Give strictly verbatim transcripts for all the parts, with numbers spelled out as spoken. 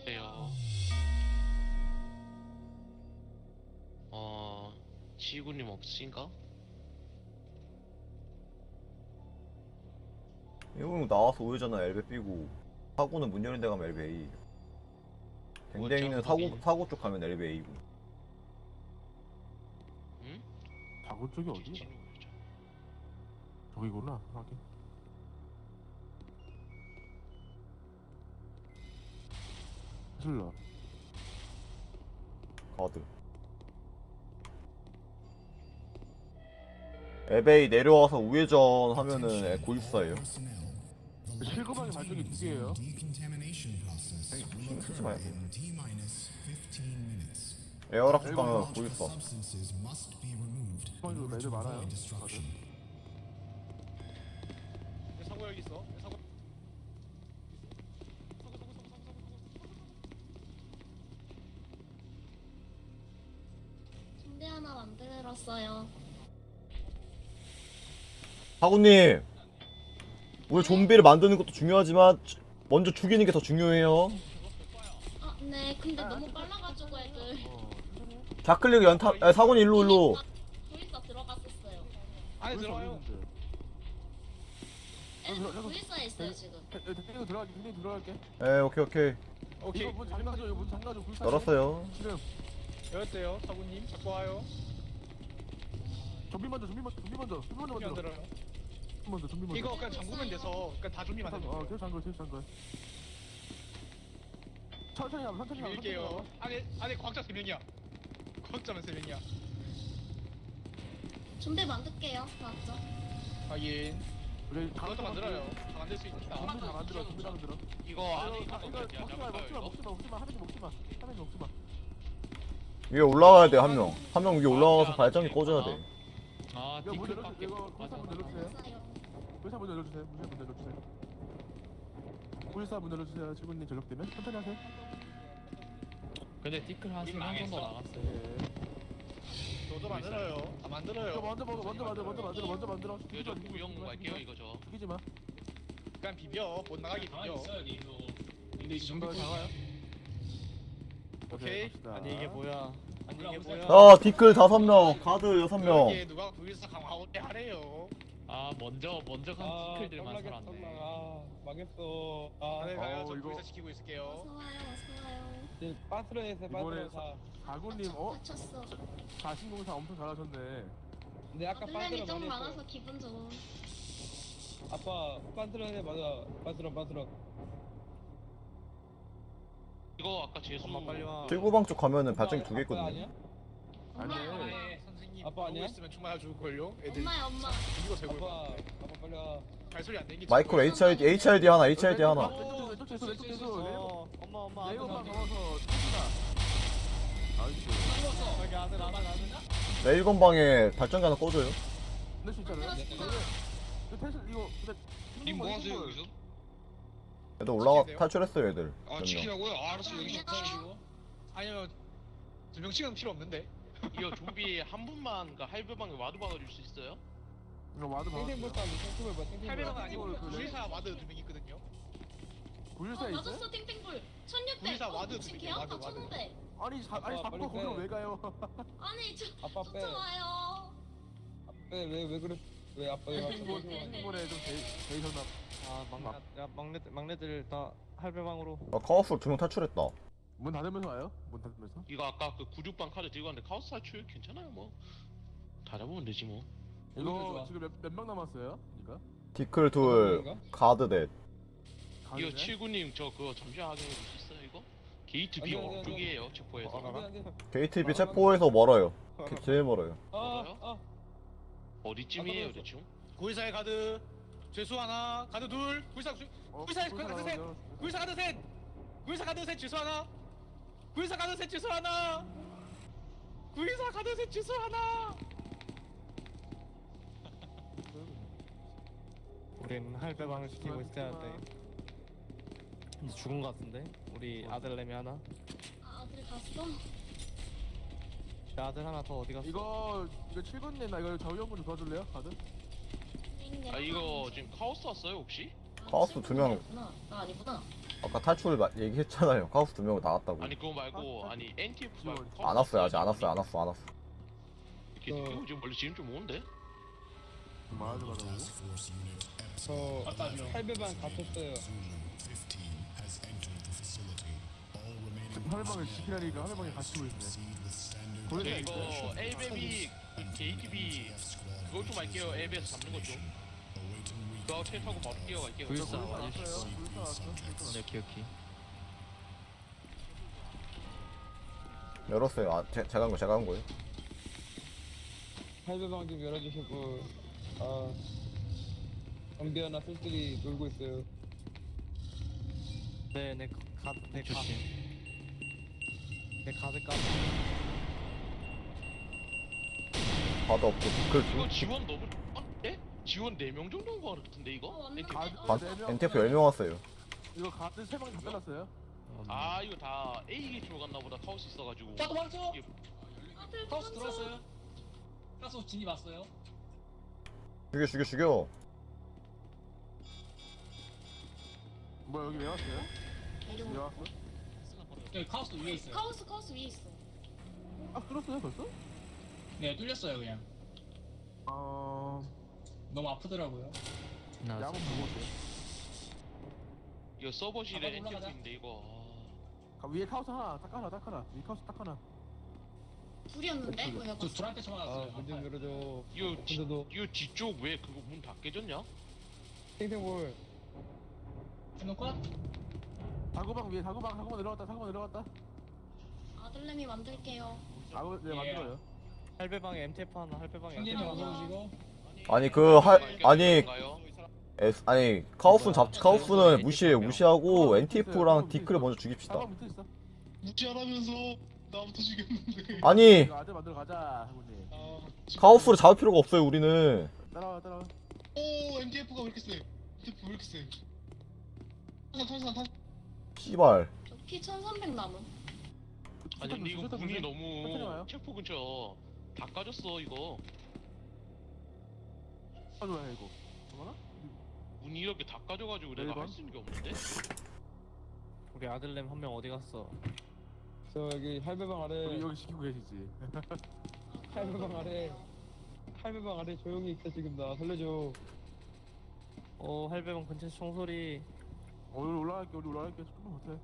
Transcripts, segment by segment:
안녕하세요. 어, 지구님 없으신가? 이거 나와서 우회전은 엘베 B고 사고는 문 열린 데 가면 엘베 A. 댕댕이는 사고 거기? 사고 쪽 가면 엘베 A고. 응? 사고 쪽이 어디야? 지진이 왜죠? 저기구나. 확인. 슬러. 가드. 엘베 A 내려와서 우회전 하면은 고입사예요. 실거방의 발전기 두 개예요. 신경 쓰지 말고. 에어락 쪽 가면 고입사. 실거방도 애들 많아요. 다들. 내 사고 여기 있어. 내 사고. 침대 하나 만들었어요. 사고님, 우리 좀비를 만드는 것도 중요하지만 먼저 죽이는 게 더 중요해요. 아, 네. 근데 너무 빨라가지고 애들. 어. 좌클릭 연타. 아, 사고님 일로 일로. 구일사 들어갔었어요. 안에 들어와요. 애들 구일사에 있어요 지금. 댕댕이 들어갈게. 댕댕이 들어갈게. 에 오케이 오케이. 오케이. 이거 문 잠가줘. 이거 문 잠가줘. 불쌍해. 열었어요. 지금 열었대요. 사부님 잡고 와요. 좀비 먼저. 좀비 먼저. 좀비 먼저. 좀비 먼저 좀비 안 먼저. 들어요. 좀비 먼저. 좀비 먼저. 이거 그냥 잠그면 돼서 그냥 다 좀비만 되면 어, 돼요. 계속 잠글. 계속 잠글. 천천히 하면 천천히 하면. 밀게요. 안에 안에 과학자 세 명이야. 과학자만 세 명이야. 준비 만들게요. 맞죠? 확인. 우리 그것도 만들어요. 다 만들 수 있다. 좀비 다 만들어. 좀비 다 만들어. 이거 안에 이거 있는 이거 거 먹지 마. 먹지 마. 먹지 마. 먹지 마. 하면서 먹지 마. 하면서 먹지 마. 위에 올라가야 돼 한 명. 한 명 위에 올라가서 발전기 꽂아야 돼. 아, 이거 문 열어. 디클밖에 이거 불사 문 열어주세요. 맞아요. 불사 문 열어주세요. 불사 문 열어주세요. 불사 문 열어주세요. 지구님 전력되면 천천히 하세요. 근데 티클 한 이미 한 정도 망했어. 나갔어요. 네. 저도 만들어요. 다 이거 만들어요. 먼저 먹어. 먼저 만들어. 먼저 만들어. 먼저 만들어. 이거 저 구형 갈게요 이거 저. 죽이지 마. 그냥 비벼. 못 나가게 비벼. 근데 이제 좀비 나와요? 오케이. 갑시다. 아니 이게 뭐야? 아니 이게 뭐야? 자 디클 다섯 명, 가드 여섯 명. 여기에 누가 구일사 강화하고 때 하래요. 아 먼저 먼저 간 티클들만 살았네. 아 망했어. 아 안에 가요. 저 어, 이거- 구일사 시키고 있을게요. 어서 와요. 어서 와요. 이제 빠스런에서 이번에 빠스런 사. 가구님 어? 다쳤어. 자신공사 엄청 잘하셨네. 근데 아까 아들렌이 빠스런 좀 많이 많아서 했어. 기분 좋음. 아빠 빠스런에 맞아. 빠스런 빠스런. 이거 아까 재수. 엄마 빨리 와. 칠구방 쪽 가면은 발전기 두 개 아빠 있거든요. 아니야? 엄마요. 아니. 엄마. 네, 선생님 아빠 아니야? 보고 있으면 충분히 죽을걸요? 애들 엄마야 엄마. 이거 재고 아빠 아빠 빨리 와. 발소리 안 내는 게 마이크로 최고야. 에이치아이디 에이치아이디 하나, 에이치아이디 하나. 왼쪽 왼쪽 왼쪽 왼쪽 왼쪽 어, 엄마 엄마 레이건방 아들 넘어서 칩시다. 나이스. 여기 아들 아들 아들. 레일건 방에 발전기 하나 꽂아요. 낼 수 있잖아요. 만들었어. 이거 텐션 이거 근데 님 뭐 하세요 여기서? 애들 올라가 탈출했어요 애들. 아 몇 명. 치키라고요? 아, 알았어 여기 좀 안녕. 치시고. 아니면 두 명씩은 필요 없는데. 이거 좀비 한 분만 그 할배방에 와드 박아줄 수 있어요? 이거 와드 탱탱 박았어요. 볼사 탱탱 봐. 탱탱 팔백은 봐. 아니고 그 구일사 와드 두 명 있거든요. 구일사 어, 있어요? 맞았어 팅팅불. 천육백. 구일사 어, 와드 미친 두 개, 개아파 와드, 와드. 천오백. 아니 자, 아니 아빠, 자꾸 빨리 거기로 빼. 왜 가요? 아니 저 아빠 빼. 쫓아와요. 왜왜 왜 그래? 왜 아빠 왜 탱탱볼 아빠 왜 탱탱볼에 좀 데이셨나? 아 막내 야 막내 막내들 다 할배방으로. 아 카오스 두 명 탈출했다. 문 닫으면서 와요? 문 닫으면서? 이거 아까 그 구육방 카드 들고 왔는데 카오스 탈출 괜찮아요 뭐. 다 잡으면 되지 뭐. 이거 좋아. 지금 몇 몇 명 남았어요? 그러니까? 디클 둘, 가드 넷. 이거 가는데? 칠구님 저 그거 잠시만 확인해 주실 수 있어요 이거? 게이트 아니, B 아니, 아니, 쪽이에요 체포해서. 어, 알아? 게이트비 체포에서 멀어요. 게- 제일 멀어요. 아아 어디쯤이에요 아, 대충? 구일사의 가드 죄수 하나, 가드 둘, 구일사 주, 어, 구일사 구일사 가드 셋, 나와요. 구일사 가드 셋, 구일사 가드 셋 죄수 하나, 구일사 가드 셋 죄수 하나, 구일사 가드 셋 죄수 하나. 우린 할배방을 지키고 있어야 돼. 이제 죽은 거 같은데? 우리 아들내미 하나. 아 어딜 갔어? 내 아들 하나 더 어디 갔어? 이거 이거 칠군님 나 이거 저희 형분 좀 도와줄래요? 가든? 아 이거 지금 카오스 왔어요 혹시? 카오스 두 명. 아니구나. 나 아니구나. 아까 탈출 마- 얘기했잖아요. 카오스 두 명 나왔다고. 아니 그거 말고 아니 엔티에프 말고 안 왔어요 아직 안 왔어요 안 왔어 안 왔어. 이렇게 느끼고 지금 원래 지금 좀 오는데? 말하지 말라고. 저 할배방 갇혔어요. 하늘방을 지키라니까 하늘방에 갇히고 있네. 저 보내자 이거 엘베비 게이티비 그거 좀 할게요. 엘베에서 잡는 거 좀. 그거 택하고 바로 뛰어갈게요. 불사 왔어요. 불사 왔어. 네, 오케이 오케이. 열었어요. 아 제, 제가 한 거 제가 한 거예요. 할배방 좀 열어주시고. 아, 경비하나 쓸쓸히 놀고 있어요. 네네 가드 네 가드. 네 가드 까. 바도 없고 그 이거 두. 지원 너무 아, 예? 지원 네 명 정도 온거 같은데 이거? 어, 왔는데? 엔티에프? 어, 반 네 명. 엔티에프 열 명 왔어요. 이거 가드 세 방이 다 잘랐어요. 아 이거 다 A 게이트로 갔나 보다. 카오스 있어가지고. 자 도망쳐. 이게 다들 카오스 도망쳐. 들어왔어요. 가스 진입 왔어요. 죽여 죽여 죽여. 뭐야 여기 왜 왔어요? 왜 내려와. 왔어? 여기 카오스 위에 있어요. 카오스 카오스 위에 있어. 아 뚫었어요 벌써? 네 뚫렸어요 그냥. 어... 너무 아프더라고요. 야구 보고 어때? 이거 서버실에 가방 엔티에프 올라가자. 있는데 이거. 아, 위에 카우스 하나 딱 하나 딱 하나 위에 카우스 딱 하나. 둘이었는데? 그치. 그거 저 해봤어. 둘한테 아, 쳐맞았어요. 문 좀 열어줘. 이거 뒤, 근데도 이거 뒤쪽 왜 그거 문 다 깨졌냐? 탱탱볼. 한명 컷? 다구방 위에 다구방 다구방 내려갔다 다구방 내려갔다. 아들내미 만들게요. 아구 네 예. 만들어요. 할배방에 엠티에프 하나 할배방에. 형님이 엠티에프 하나. 와서 오시고. 아니 그 할 아니 가요? 에스, 아니 카오스는 잡 카오스는 무시해요 무시하고 엔티에프랑 디크를 먼저 죽입시다. 다구방 밑에 있어. 무지하라면서 나부터 죽였는데. 아니 이거 아들 만들어 가자 형님. 아, 카오스를 잡을 필요가 없어요 우리는. 따라와 따라와. 오 엔티에프가 왜 이렇게 세? 엔티에프 왜 이렇게 세? 탄산 탄산 탄산. 씨발. 저 피 천삼백 남은. 아니 근데 이거 문이 천천히 너무 와요. 체포 근처 다 까졌어 이거. 아 좋아요 이거. 뭐나? 문이 이렇게 다 까져가지고 내가 일 번. 할 수 있는 게 없는데? 우리 아들냄 한 명 어디 갔어? 저 여기 할배방 아래. 여기 여기 지키고 계시지. 할배방 아래. 할배방 아래 조용히 있어 지금 나 살려줘. 어 할배방 근처 총소리. 어, 우리 올라갈게 우리 올라갈게 조금만 못해.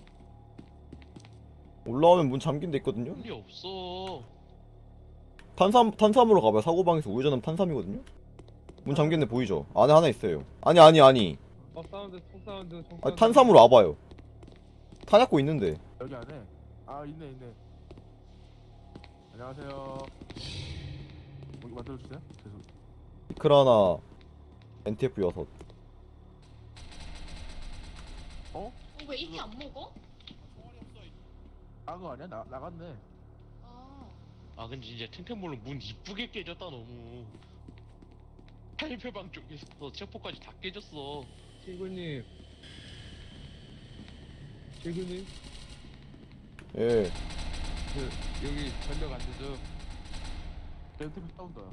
올라오면 문 잠긴 데 있거든요. 문이 없어. 탄삼 탄삼으로 가봐요. 사고방에서 우회전하면 탄삼이거든요. 문 잠긴 데 보이죠? 안에 하나 있어요. 아니 아니 아니. 어 사운드 총 사운드 총 사운드. 아니 탄삼으로 와봐요. 탄약고 있는데. 여기 안에. 아 있네 있네. 안녕하세요. 여기 만들어 주세요. 계속. 디클 하나 엔티에프 여섯. 어, 왜 이렇게 안 먹어? 아 그거 아니야? 나 나갔네. 아, 아 근데 진짜 탱탱볼로 문 이쁘게 깨졌다 너무. 할배방 쪽에서 체포까지 다 깨졌어. 친구님. 친구님. 예. 그 여기 전력 안 되죠? 렌트비 싸운다.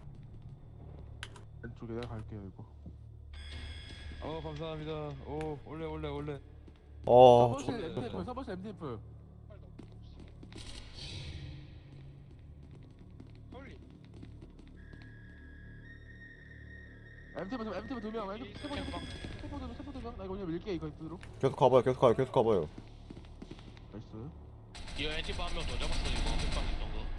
왼쪽에 내가 갈게요 이거. 어 감사합니다. 오 올래 올래 올래. 아 서버실 엠티에프 저. 서버실 엠티에프. 엠티에프 두- 엠티에프 두 명. 엠티에프 세번 세번 세번 세번 두명. 나 이거 그냥 밀게 이거 그대로. 계속 가봐요. 계속 가요. 계속 가봐요. 나이스. 이거 엔티바 한 명 더 잡았어 이거 흑방 있던 거.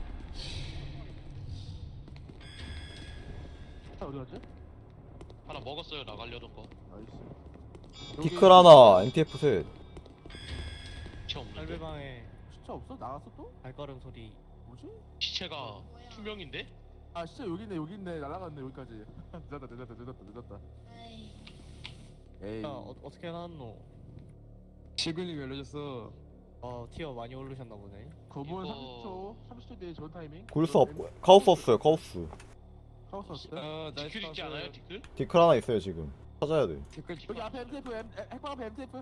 차 어디 갔지? 하나 먹었어요 나가려던 거. 나이스. 디클 하나 엔티에프 셋. 시체 없는데? 할배방에 시차 없어? 나갔어 또? 발걸음 소리. 뭐지? 시체가 뭐야. 투명인데? 아 시차 여기 있네 여기 있네 날아갔네 여기까지. 늦었다 늦었다 늦었다 늦었다. 에이. 에이. 야 어, 어떻게 나왔노? 친구님 열려줬어. 어 티어 많이 오르셨나 보네. 검은 이거- 삼십 초 삼십 초 뒤에 전 타이밍. 골수 없고 카오스 없어요. 카오스. 카우스 왔어요? 아 나이스 디클 있지 파스. 않아요 디클? 디클 하나 있어요 지금. 찾아야 돼. 댓글 여기 앞에 엠티에프 엠, 에- 핵방 앞에 엠티에프.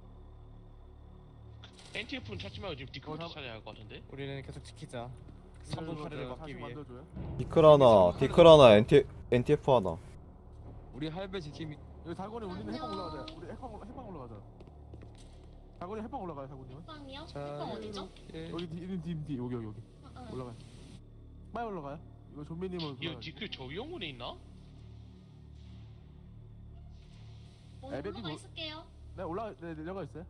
엔티에프는 찾지 말고 지금 디클부터 어, 나- 찾아야 할 것 같은데? 우리는 계속 지키자. 삼 분 파리를 막기 다시 위해. 만들어줘요. 디클 하나, 디클 하나, 엔티 엔티에프 하나. 우리 할배 지킴이 여기 다곤이 우리는 해방 올라가자. 우리 해방 올라 해방 올라가자. 다곤이 해방 올라가요 다곤이요. 빵이요? 자, 빵 어디죠? 예. 여기 뒤, 뒤, 뒤 여기 여기 여기 아, 아. 올라가요. 빨리 올라가요. 이거 좀비님은 이거 디크 저 영문에 있나? 어, 에베디 올라가 뭐- 있을게요. 네 올라 네 내려가 있어요.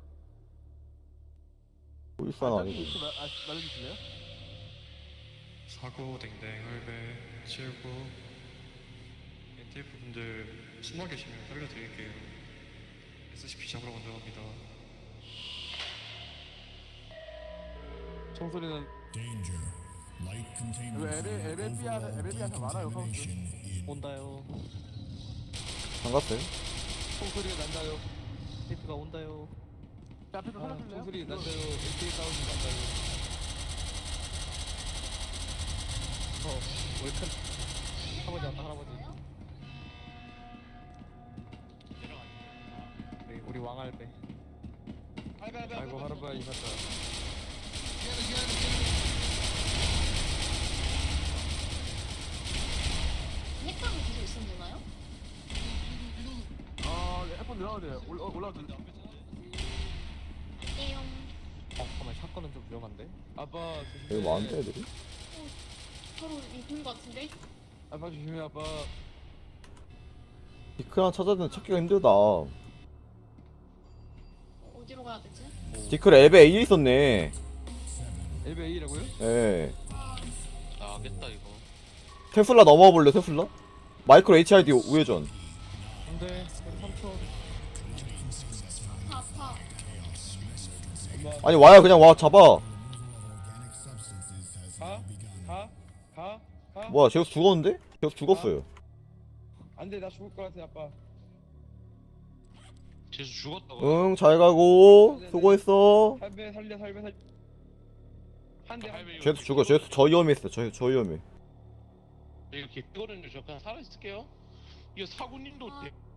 보이스는 저기 아니고. 위치 말- 아, 말해주실래요? 사고 댕댕 헐배 칠구 엔티에프 분들 숨어 계시면 살려드릴게요. 에스씨피 잡으러 먼저 갑니다. 총소리는 여기 에베 에베비아는 에베비아는 많아요 카운트. 온다요. 반갑어요. 총소리가 난다요. 테이프가 온다요. 앞에 좀 아, 살려줄래요? 총소리 난다요. 에이케이 사운드 난다요. 어, 우리 큰 할아버지 왔다 할아버지. 우리 우리 왕할배. 아이고 할아버지 맞다. 핵방이 계속 있으면 되나요? 아 에폰 내려가야 돼요. 올라 올라가. 떼용. 어, 잠깐만 사건은 좀 위험한데. 아빠 여기 조심해. 많은데 애들이? 바로 이분 것 같은데? 아빠 조심해 아빠. 디크랑 찾아야 되는데 찾기가 힘들다. 어, 어디로 가야 되지? 디크를 앱에 A에 있었네. 엘베 A라고요? 예. 나겠다 이거. 테슬라 넘어와 볼래 테슬라? 마이크로 에이치아이디 우회전. 안돼. 삼 초. 아파 아파. 아니 와야 그냥 와 잡아. 가? 가? 가? 가? 뭐야 제우스 죽었는데? 제우스 죽었어요. 안돼 나 죽을 것 같아 아빠. 재수 죽었다고. 응 잘 가고 수고했어. 할배 살려 살배 살. 한대 한. 할배 제우스 죽어. 제우스 저 위험했어. 저, 저 위험해. 이렇게 뜨거든요. 저 그냥 살아 있을게요. 이거 사구님도 아. 대-